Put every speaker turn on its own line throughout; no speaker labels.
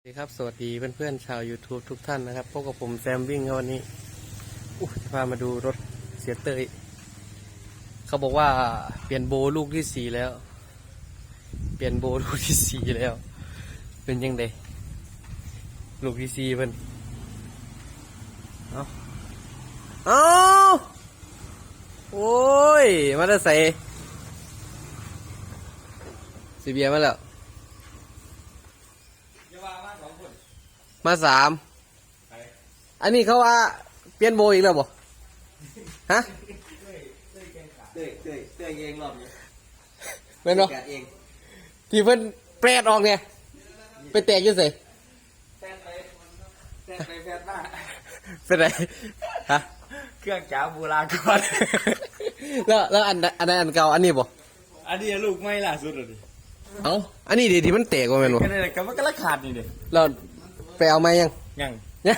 สวัสดีครับสวัสดีเพื่อนๆชาว YouTube ทุกท่านนะครับพบกับผมแซมวิ่งวันนี้จะพามาดูรถเสียเตยเขาบอกว่าเปลี่ยนโบลูกที่ 4แล้วเปลี่ยนโบลูกที่ 4แล้วเป็นยังไงลูกที่ 4เพิ่นเอาโอ้ยมาได้ใส่สีเบียร์มาแล้วมา3อันนี้เขาว่าเปลี่ยนโบอีกแล้วบ่ฮะ
เต้ยเองรอบนี้
เป็นบ่
แกะเอง
ที่เพิ่นแปรดออกเนี่ยไปแตกอยุ่ใส่
แฟนแฟนมา
เป็นไรฮะ
เครื่องจ๋าโบราณก่อน
แล้วอันนั้นอันเก่าอันนี้บ่
อันนี้ลูกไม่ล่าสุดเลย
เอ้าอันนี้ดิที่มันแตกว่าแม่นบ่
ก็เลยก็มันก็ละขาดนี่เด้
เราไปเอามายัง
ยัง
ยัง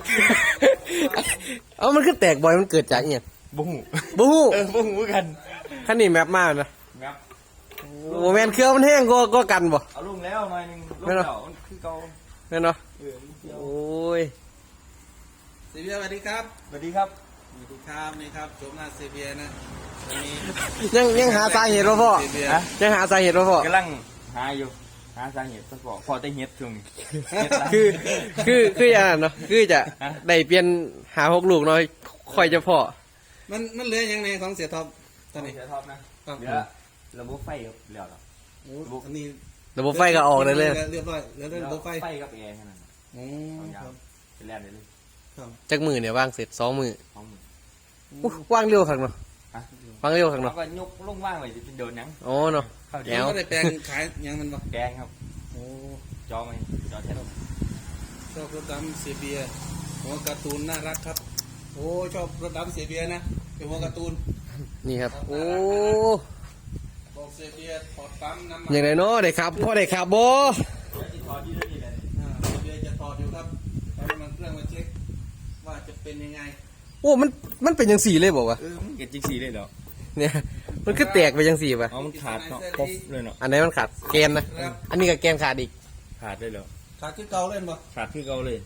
เอ้ามันคือแตกบ่อยมันเกิดจากอีหยัง
บุ้ง
บ่ฮู้
บุ้งกัน
คันนี้แมปมานะ
ครับ
โอ้แม่นเครื่องมันแห้งก็กันบ่
เอาลุงแล้วหน่อยนึงลุงเก่ามันคือเก่า
แม่นเนาะ
โอ้
โอ้ย
เซเบียสวัสดีครับ
สวัสดีครับ
สวัสดีครับนี่ครับโฉมหน้าเซเบียนะวันนี้
ยังหาสาเหตุบ่พ่อ
เซเบีย
ฮะ
ยังหาสาเหตุบ่พ่อก
ำลังหาอยู่หาสาเหตุพอได้เฮ็ดช่วงนี้
คืออย่างนั้นเนาะคือจะ
ฮะ
ได้เปลี่ยนหา6ลูกเนาะค่อยจะพอ
มันเหลือยังไงของเสียท็อปตอนนี้
เดี๋ยวท็อปนะครับ เดี๋ยวระบบไฟครับเดี๋ยวเรา
โอ้อันนี้
ระบบไฟก็ออกได้เลย
เรียบร้อยเหลือแต่ระบบไฟ
ไฟกับแอร์แค่นั้น
โอ้
สองอ
ค
ย่าง
รับ
เป็นแล่นได้เลย
ครับ
จักมือเนี่ยวางเสร็จ2 มือ
ของมือ
ว่างเร็วข้างเนาะ
ฮะ
วางเร็วข้าง
เรา
เนาะ
ก็ยกลงว่างไว้จะเป็นโดนหยัง
อ๋อเนาะ
เข้า
แล้
เดี๋ยว
ก็ได้แปลงขายยังมันบ่
แกงครับ
โอ้
จอไหมจอแทน
ชอบรถดำเซเบียหัวการ์ตูนน่ารักครับโอ้ชอบรถดำเซเบียนะเป็นหัวการ์ตูน
นี่ครับโอ้
บอกเซเบียถอดปั๊มน้ำมัน
อย่างไรเนาะได้ครับพ่อได้ครับบ่
ที่ทอที่นี่เลย
เซเบียจะถอดอยู่ครับเอาน้ำมันเครื่องมาเช็คว่าจะเป็นยังไง
โอ้มันเป็นจังสี่เลยบอกว่า
มันเก็บจริงสีเลยเหรอ
เนี่ยมันคือแตกไปจังสี่ป่ะ
อ๋อมันขาดเนาะครบเลยเนาะ
อันไหนมันขาดแกนนะอันนี้ก็แกนขาดอีก
ขาดเลยเหรอ
ขาดคือเก่าเล่นบ่
ขาดคือเก่าเลย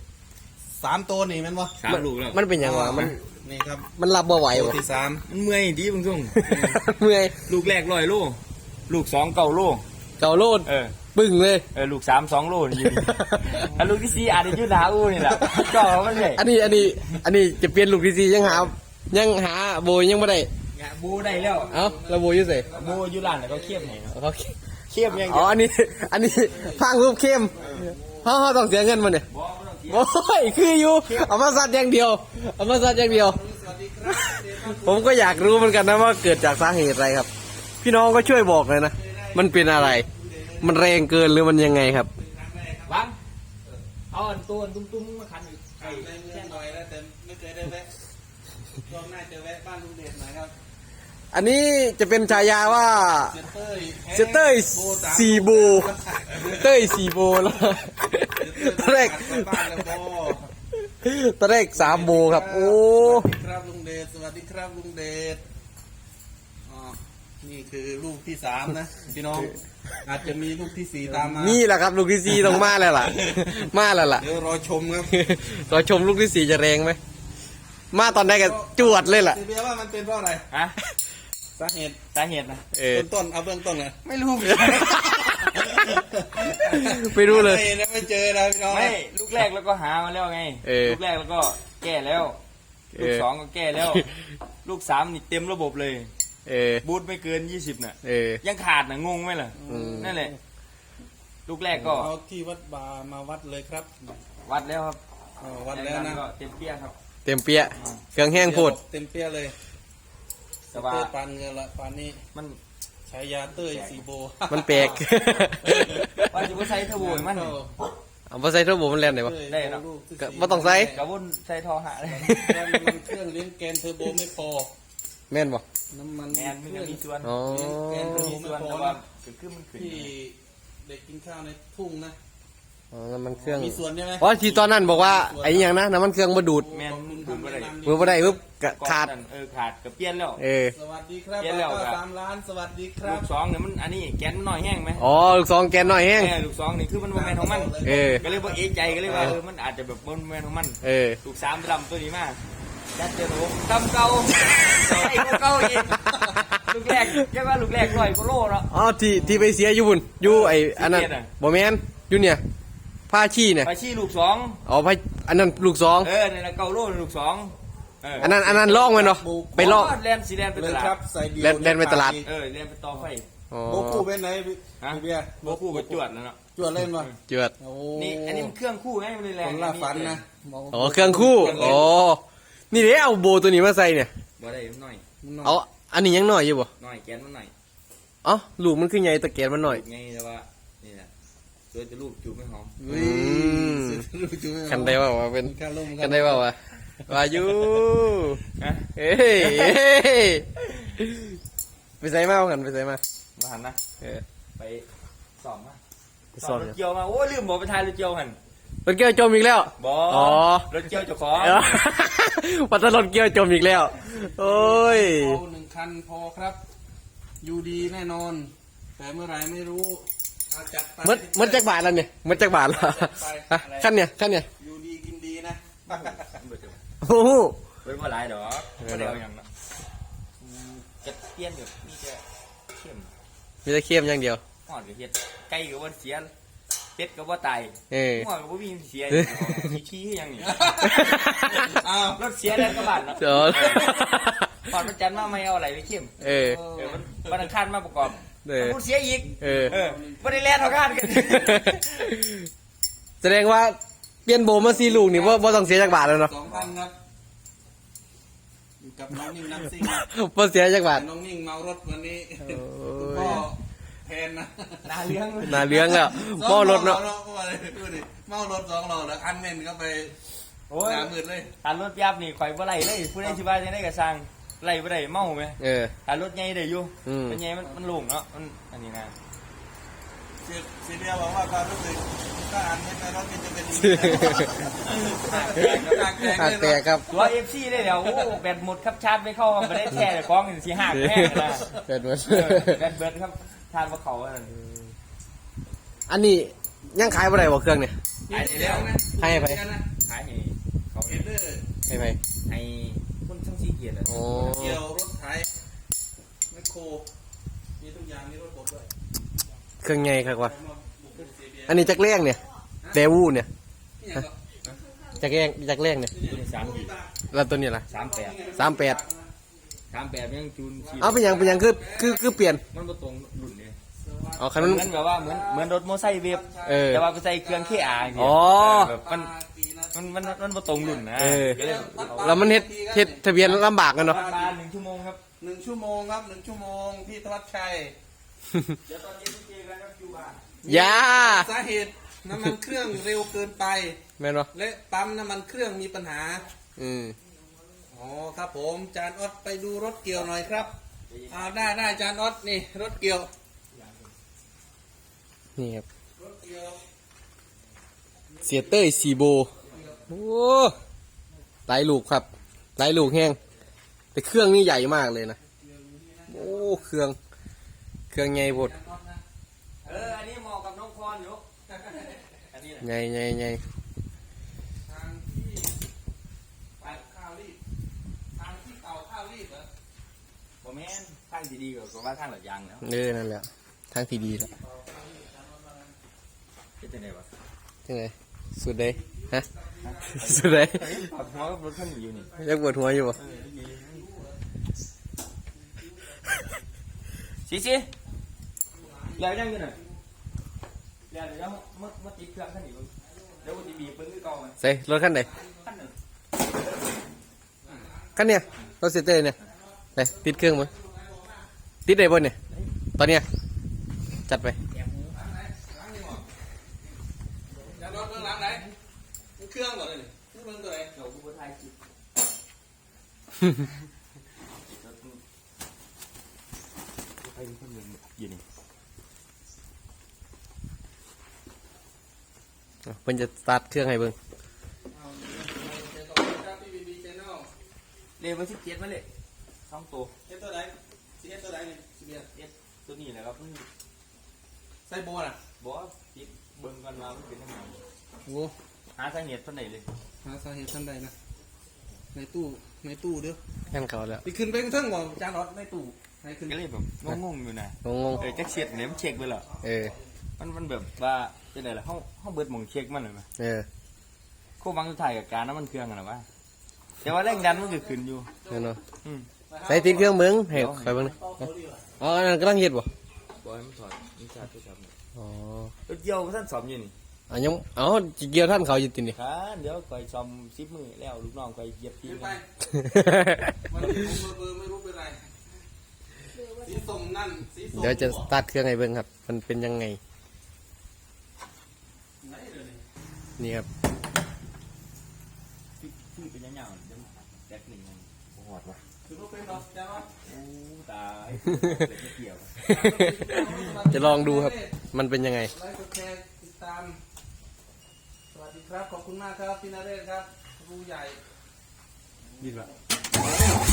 3 ตัวนี่แมันบ่
3 ลูกแล้ว
มันเป็นอย่างวะมัน
นี่ครับ
มันรับบ่ไหว
ตัว
บ่
ที่
มันเมื่อยดีบางช่วง
เมื่อย
ลูกแรก100 โลลูก2 9 โล
เก่าโลด ปึ้งเลย
ลูก3 2 โลนี่อยู่อันลูกที่4อาจจะยืดหาอู้นี่แหละก็มันเลย
อันนี้จะเปลี่ยนลูกที่สี่ยังหาโบยังไม่ได้
บูได้แล้ว
เอ้าแล้วโบอยุ่ใส่
บูอยู่ร้านแล้วก็เคียบให้เนาะ
เขา
เคียบยัง
อ๋ออันนี้พังรูปเข้มเขาต้องเสียเงินมันเนี่ย
บ่ต้องเคียบ
โอ้ยคืออยู่เอามาซัดอย่างเดียวเอามาซัดอย่างเดียว ผมก็อยากรู้เหมือนกันนะว่าเกิดจากสาเหตุอะไรครับ พี่น้องก็ช่วยบอกเลยนะมันเป็นอะไร มันแรงเกินหรือมันยังไงครับ
วางเอาอันตัวตุ้มๆมาคันอีก
3ได้เงินหน่อยแล้วแต่ไม่เคยได้แวะรอบหน้าจะแวะบ้านลุงเดชหน่อยครับ
อันนี้จะเป็นฉายาว่า
เซเต้ย
เซเต้ยสี่โบเต้ยสี่โบแล้วตอนแรก
บ้านแล้วบ่
ตอนแรก3 โบครับโอ้
สวัสดีครับลุงเดชสวัสดีครับลุงเดชอ๋อนี่คือลูกที่ 3นะพี่น้องอาจจะมีลูกที่ 4ตามมา
นี่แหละครับลูกที่ 4ต้องมาแล้วล่ะ มาแล้วล่ะ
เดี๋ยวรอชมครับ
เราชมลูกที่ 4จะแรงไหมมาตอนแรกก็จวดเลยล่ะ
เซเบียว่ามันเป็นเพราะอะไร
ฮะ
สาเหตุ
สาเหตุนะ
ต้นเอาเบื้องต้นเลย
ไม่รู้
ไม่รู้เลย
ไม่เจอนะพี่น้อง
ไม่ลูกแรกแล้วก็หามาแล้วไงลูกแรกแล้วก็แก้แล้วลูก2ก็แก้แล้ว ลูก3นี่เต็มระบบเลยบูทไม่เกิน20น่ะยังขาดน่ะงงไหมล่ะนั่นแหละลูกแรกก็
เอาที่วัดบามาวัดเลยครับ
วัดแล้วครับ
วัดแล้วนะ
ก็เต็มเปี้ยครับ
เต็มเปียะเครื่องแห้งโพด
เต็มเปี้ยเลย
แต่ว่า
เต้ยปานเงินละปานนี้
มัน
ฉายาเต้ยสีโบ
มันแปลก
ว่าจะว่าใส่เทอร์โบให้มัน
เอาไปใส่ทั่วโบมันแรงไหนวะ
ได้เนอะ
ก็บ่ต้องใส่
กระวุ่นใส่ทอหะเลย
มันเครื่องเลี้ยงแกนเทอร์โบไม่พอ
แม่นบ่
น้ำมัน
แมนมันก็มีส่วน
อ๋อ
เลี้ยงแกนเทอร์โบ
มี
ไม่
ส่วน
พอ
แต่ว่า
นะ
คือมันขึ้น
ที่เด็กกินข้าวในทุ่งนะ
อ๋อน้ำมันเครื่อง
มีส่วนใช่ไหม
อ๋อที่ตอนนั้นบอกว่าไอ้อยังนะน้ำมันเครื่องมาดูด
แมนดูดบ่ได้
มือบ่ได้ปุ๊บกะขาด
ขาดกับเปลี่ยนแล้ว
สวัสดีครับ
เปลี่ยนแล้ว
ก็
ครับ
3 ล้านสวัสดีค
ลู
รับ
กสองเนี่ยมันอันนี้แกนมันหน่อยแห้งไหม
อ๋อลูกซองแกนหน่อยแห้ง
ลูกสองนี่คือมันบ่แมนของมัน
เออ
ก็เลยว่าเอะใจก็เลยว่ามันอาจจะแบบบ่แมนของมัน
เออ
ลูกสามดำตัวนี้มากจัดเจอหนูดำเก่าไอ้พวกเก่าอีกลูกแรกใช่ป่ะลูกแรก100 กิโลเนาะ
อ๋อที่ไปเสียอยู่บุญอยู่ไอ้อันนั้น
ที่เกียรติอะ
บ่แม่นอยู่เนี่ยผ้าชี้เนี่ย
ไปชี้ลูกสอง
อ๋อผ้าอันนั้นลูกซอง
ในละเก่าโลลูกสองเ
อันนั้นล่องไว้เนาะไปล่อง
แลนสีแลนไป
เล
ต
ย
ลา
ครั
ด
บใส่เดียว
แล่นไปตลาด
แลนไปต่อไฟ
อ๋อ
โบกูเป็นไหนพี่
ฮะ
เบียร์
โบคู่กับจวดแล้วเนาะ
จวดเล่นมา
เจือด
โอ้
นี่อันนี้มันเครื่องคู่ไงมันเลยแร
ค
ง
นละฝันนะ
อ๋อเครื่องคู่อ๋อนี่เด้เอาโบตัวนี้มาใส่เนี่ย
บ่ได้มันหน่อย
เอาอันนี้ยังหน่อยอยู่บ่
หน่อยแกนมันหน่อย
เอ๋อลูกมันคือใหญ่ตะแกนมันหน่อย
ไงแต่ว่านี่นะตัวจะลูกจูบไม่หอม
เฮ้ย
ม
รู้จุ๊บ
กันได้ว่าเป็น
การลม
กันได้ว่าว่าอยู่
ฮะ
เฮ้ยไปใส่มาเอากันไปใส่มา
มาหันนะ
เออ
ไปสอบมา
ไปสอบ
รถเกี่ยวมาโอ้ยลืมบอกไปทายรถเกี่ยวหัน
รถเกี่ยวจมอีกแล้ว
บอ
อ๋อ
รถเกี่ยวเจ้าของ
เออปัตตรถเกี่ยวจมอีกแล้ว โอ้ย
เอา1 คันพอครับ อยู่ดีแน่นอน แต่เมื่อไหรไม่รู้เอาจัดไป
มันจักบาทแล้วเนี่ยมันจักบาทแล้วฮะขั้นเนี่ย
อยู่ดีกินดีนะ
โอ้โห
เป็นว่าหลายดอกไม่ได้เอาอย่างนั้นจะเปลี่ยนแบบมีแต่เข้ม
มีแต่เค็มอย่างเดียว
หอดกับเฮ็ดไก่กับว่าเสียเป็ดกับว่าตาย
เออ
หัวกับว่ามีเสียขี้ๆอย่างนี้
อ้าว
รถเสียแล้วก็บาดเนาะ
เดี๋ยว
ก่อนวันจันทร์มาไม่เอาอะไรไปเข้ม
เออ
วันอังคารมาประกอบ
เออ
มันเสียอีก
เออ
ไม่ได้แล่นเท่ากันกัน
แสดงว่าเปลี่ยนโบมาซีลูกนี่ว่าต้องเสียจักบาทแล้วเนาะ
2,000ครับอยู่กับน้องนิ่งน้ำซิ่งนะ
ว่าเสียจักบาท
น้องนิ่งเมารถวันนี้
โอ้ย
คุณพ่อแทนนะ
นาเลี้ยง
น่าเลี้ยงแล้วหม้อรถเนาะ
เมารถ2 ล้อแล้วอันเมนก็ไป
โอ้ย
หนามืดเลย
ทานรถยับนี่ข่อยบ่ไหลเลยผู้ใดสิว่าจะได้กระซังไหลบ่ได้เมาไหม
เออ
ทานรถใหญ่ได้อยู่
อืม
เป็นใหญ่มันโล่งเนาะมันอันนี้นะ
ซีเรียบอกว่าความรู้สึกถ้าอันไม่ไปรถมันจะเป็น
หักแตกครับ
ตัว FC ได้เดี๋ยวโอ้แบตหมดครับชาร์จไม่เข้าไม่ได้แช่แต่ของสิหักแห้งนะ
เกิดมา
แบตเบิดครับทานบ่เข้าอันนั้น
อันนี้ยังขายบ่ได้บ่เครื่องเนี่ย
ขายให้เขา
เห็นเลย
ให้ไป
ให้คนทั้ง4เกียรติอะ
โอ้
เกี่ยวรถไถแมคโครมีทุกอย่างมีรถบดด้วย
เครื่องใหญ่ครับว่า
มาบุกซีเบีย
อันนี้จักแรงเนี่ยแดวูเนี่ย
นี่ยังก็
จักแรงเนี่ย
ตัวนี้3กีบ
แล้วตัวนี้ล่ะ
38
38
38ยังจูนชี
เอาเป็นหยังคือเปลี่ยน
มันบ่ตรงรุ่นเลย
อ๋อคัน
เห
มัน
มือนแบบว่าเหมือนรถมอไซค์เวฟ
เออ
แต่ว่าไปใส่เครื่อง KR อย่างเงี้ย
อ๋อ
แบบมันบ่ตรงรุ่นนะ
เออ
ก็เลยเอา
แล้วมันเฮ็ดทะเบียนลำบากกันเนาะ
ประมาณ1 ชั่วโมงครับ
1 ชั่วโมงครับ1 ชั่วโมงพี่ธวัชชัย
เดี๋ยวตอนเย็นเจอกันครับอยู่บ้าน
อยา
สาเหตุน้ำมันเครื่องเร็วเกินไป
แม่นบ่
และปั๊มน้ำมันเครื่องมีปัญหา
อืม
อ๋อครับผมจานออดไปดูรถเกี่ยวหน่อยครับได้จานออดนี่รถเกี่ยว
นี่ครับ
รถเกี่ยว
เสียเต้ยสีโบโอ้หลายลูกครับหลายลูกแห้งแต่เครื่องนี่ใหญ่มากเลยนะโอ้เครื่องใหญ่บด
อันนี้เหมาะกับน้องพรอยู่อันนี้แหละ
ใหญ่
ทางที่ไปข้าวรีบทางที่เต่าข้าวรีบเหรอ
บ่แม่นทางที่ดีกว่าว่าทางหลัดยางแล้ว
นั่นแหละทางที่ดีแล้ว
เป็นจังไดวะ
จังไงสุดเลยฮะสุดเลย
ปรับหัวกับรถคันนี้อยู่นี่
ยังปวดหัวอยู่บ่
สิแล้วยังอยู่น่ะแล้วเดี๋ยวมาติดเครื่องคันนี้เบิ่งเดี๋ยวกูสิบีบเบิ่งคือเก่าไหม
ใส่รถคันไหน
คันนึง
คันเนี้ยรถเสียเต้ยเนี่ยไปติดเครื่องมั้ยติดได้บ่เนี่ยตอนเนี้ยจัดไป
จานออดเบื้องหลังไหนมันเครื่องก่อนเลยนี่เบื้องตัวไหน
เดี๋ยวกูบ่ถ่ายคลิปไปดูคนหนึงอยู่นี่
เพิ่นจะสตาร์ทเครื่องให้เบิ่ง
เอาเดี๋ยวต่อไปครับพี่บีบีชแนล
เรียกว่า17มาเลย2ตัว
เอสตัวไหนซีเอสตัวไหนนี่ซีเอส
เอสตัวนี้แหละครับ
ไซโบน่ะ
บอกว่าติดเบิ่งกันมามันเป็นยังไง
โอ้
หาสาเหตุเท่าไหร่เลย
หาสาเหตุท่านใดนะในตู้เด้อ
งั้นเขาแล้ว
ไปขึ้นไปกระทั่งบ่จานรถในตู้ให้ขึ้น
ก็เลยแบบงงๆอยู่นะ
งง
จักเช็ดเนี่ยมันเช็คไปเหรอ
ๆ
มันแบบว่าจะไหนล่ะห้องเบิดหมองเช็คมันเลยไหมโค้งวังสุดท้ายกับการน้ำมันเครื่องกันหรอวะแต่ว่าแรงดันมันก็ขึ้นอยู่
นั่นเนาะ
อืม
ใส่ติดเครื่องเบิ่งให้ใครเบิ่งนี่อ๋ออันนั้นกำลังเฮ็ดบ่
บอยมันถอดมันชาทุกครับ
อ๋อ
รถเกี่ยวท่านสอบอยู่นี่
ยังจิเกี่ยวท่านเขาอยู่ตินี่
ครับเดี๋ยวคอยซ้อม10 มือแล้วลูกน้องคอยเหยียบที
ขึ้น
ม
ไปวันนี้ผมเบอร์ไม่รู้เป็นไรสีส้มนั่นสีส้ม
เดี๋ยวจะสตาร์ทเครื่องให้เบิ่งครับ มันเป็นยังไง
ไหนเดี๋ยวนี้
นี่ครับ
ชื่อเป็นยังไงเดี๋ยวแจ็คหนึ่งมันหอดวะ
คือรถเป็นรถจ้าวะ
โอ้ตายไม่เกี่ยว
จะลองดูครับ มันเป็นยังไง
ไลค์กดแชร์ติดตามสวัสดีครับขอบคุณมากครับพี่นเรศครับผู้ใหญ่
ยินปะ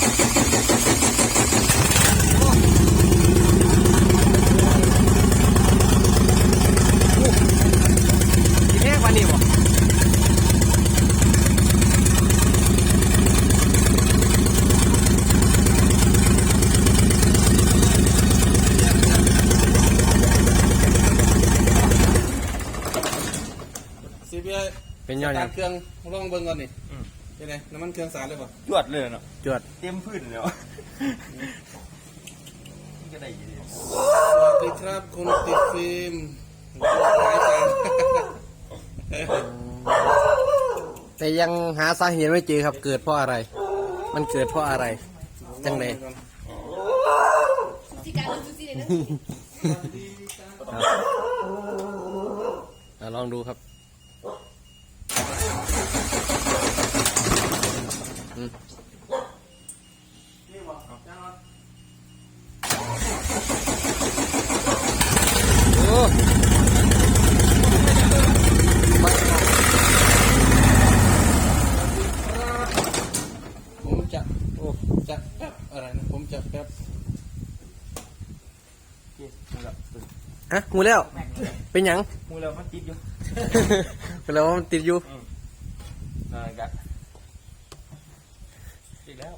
สิแพงกว่านี้บ่
ซีเบีย
เป็นยอดยัง
เครื่องลองเบิ่งก่อนนี่เป็นไงน้ำมันเครื่องสารเลยป่ะ
จวดเลยเนาะ
จวด
เต็มพื้นเลยก็ได้ยิน
สวัสดีครับคุณติดฟิล์มหายจาน
แต่ยังหาสาเหตุไม่เจอครับ เกิดเพราะอะไร มันเกิดเพราะอะไร จังได ลองดูครับอืม
นี่บ่จานรถ
โอ้
ผมจะจะแป๊บอะไรนะผมจะแป๊บ
ฮะงูแล้ว เป็นหยัง
มูแล้วมันติดอยู่
เป็นแล้วว่ามันติดอยู่
นั่นกันติดแล้ว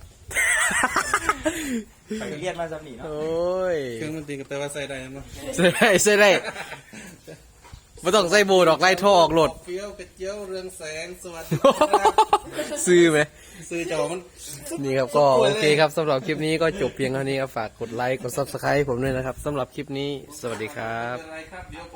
ไปเรียนมาสำนีเนาะ
โอ้ย
เครื่องมันตีกับแต่ว่าใส่ได้มั้ย
ใส่ได้ใส่ได้ไม่ต้องใส่โบดอกไล่ท่อออกโหลด
เฟี้ยวกระเจียวเรืองแสงสวัสดีครับ
ซื้อไหม
ซื้อจอมัน
นี่ครับก็โอเคครับสำหรับคลิปนี้ก็จบเพียงเท่านี้ครับฝากกดไลค์กด Subscribe ผมด้วยนะครับสำหรับคลิปนี้สวัสดีครับ
อะไรครับเดี๋ยว